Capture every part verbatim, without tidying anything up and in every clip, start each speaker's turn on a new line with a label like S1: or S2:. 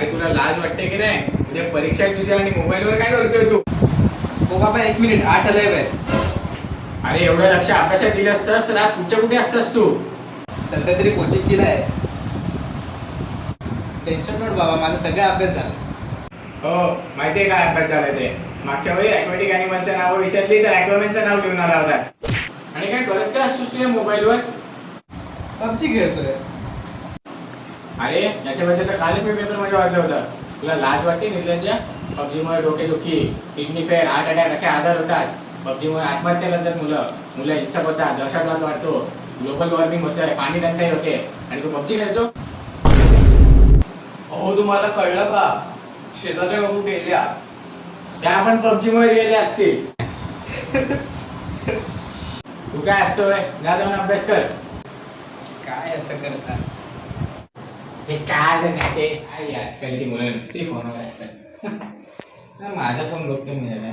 S1: अरे तुला लाज वाटते की नाही? उद्या परीक्षा आहे तुझ्या आणि मोबाईलवर काय करतोय तू?
S2: हो बाबा एक मिनिट आठ आलाय बाय.
S1: अरे एवढं लक्ष अभ्यासात दिलं असतंस तर आज कुठच्या कुठे असतास तू?
S2: सध्या तरी कोचिंग केलाय. टेन्शन नोट बाबा, माझा सगळा अभ्यास झाला.
S1: हो माहितीये काय अभ्यास झालाय ते? मागच्या वेळी ॲक्वॅटिक ॲनिमलचं नाव विचारली तर ॲक्वामॅनचं नाव लिहून आला होतास. आणि काय करत काय असतोस तुझ्या मोबाईलवर?
S2: पबजी खेळतोय.
S1: अरे याच्याबद्दल तर कालच मी पेपर मध्ये वाचलं होतं. तुला लाज वाटते निर्लज्जा? पबजीमुळे डोकेदुखी, किडनी फेल, हार्ट अटॅक असे आजार होतात. पबजीमुळे आत्महत्या करतात मुलं, मुलं हिंसक होतात, दहशतवाद वाढतो, ग्लोबल वॉर्मिंग होतंय, पाणी टंचाई होते आणि तू पबजी खेळतो?
S2: हो तुम्हाला कळलं का? शेजारच्या बाबू गेल्या.
S1: त्या आपण पबजीमुळे गेले असतील. तू काय असतोय? जा जाऊन अभ्यास कर.
S2: काय असं करता?
S1: हे काय नाही ते आई आजकालची मुलं नुसती फोनवर असतात. माझा फोन बघतो मी जरा.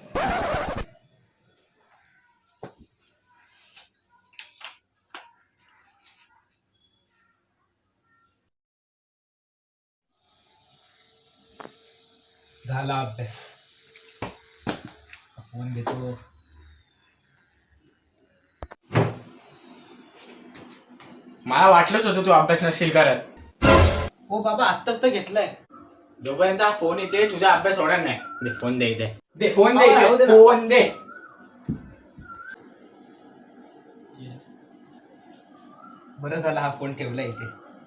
S2: झाला अभ्यास. फोन घेतो.
S1: मला वाटलंच होतं तू अभ्यास नसशील करत.
S2: हो बाबा आत्ताच तर घेतलाय.
S1: जोपर्यंत हा फोन येते तुझा अभ्यास होणार नाही. दे फोन दे इथे. दे फोन दे
S2: राहू दे
S1: इथे.
S2: ना.
S1: फोन दे.
S2: बरं झालं हा फोन ठेवला इथे.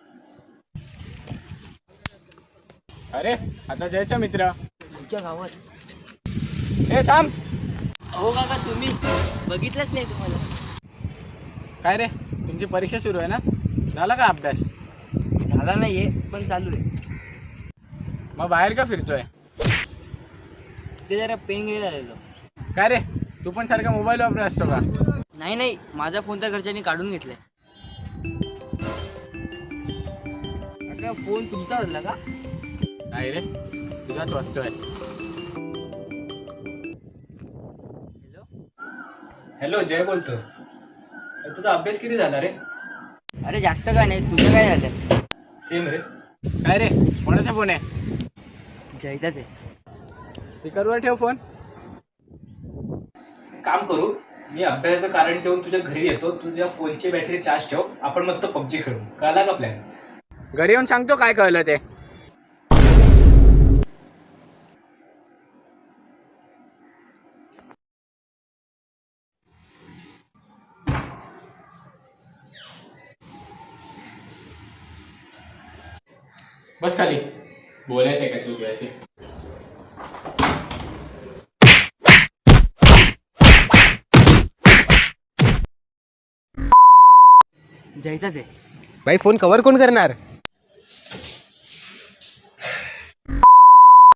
S1: अरे आता जयचा मित्र
S3: तुमच्या गावात.
S1: हे थांब.
S3: हो काका, तुम्ही बघितलंच नाही तुम्हाला.
S1: काय रे तुमची परीक्षा सुरू आहे ना? झाला का अभ्यास?
S3: झाला नाहीये पण चालू आहे.
S1: मग बाहेर का फिरतोय?
S3: ते जरा पेन घ्यायला आलेलो.
S1: काय रे तू पण सारखा मोबाईल वापरत असतो का?
S3: नाही नाही, माझा फोन तर घरच्यांनी काढून घेतलाय. काका, फोन तुमचा होता का?
S1: नाही रे तुझाच वाचतोय.
S3: हॅलो.
S2: हॅलो जय बोलतो. तुझा अभ्यास किती झाला रे?
S3: अरे जास्त काय नाही, तुझं काय झालं?
S2: सेम रे.
S1: काय रे कोणाचा फोन आहे?
S3: जयचाच आहे.
S1: स्पीकरवर ठेव फोन.
S2: काम करू, मी अभ्यासाचं कारण ठेवून तुझ्या घरी येतो. तुझ्या फोनची बॅटरी चार्ज ठेव. आपण मस्त पबजी खेळू. कळला का प्लॅन?
S1: घरी येऊन सांगतो काय कळलं ते. बस खाली. बोलायचंय का तू तुझ्याशी?
S3: जयचाच आहे.
S4: भाई फोन कव्हर कोण करणार?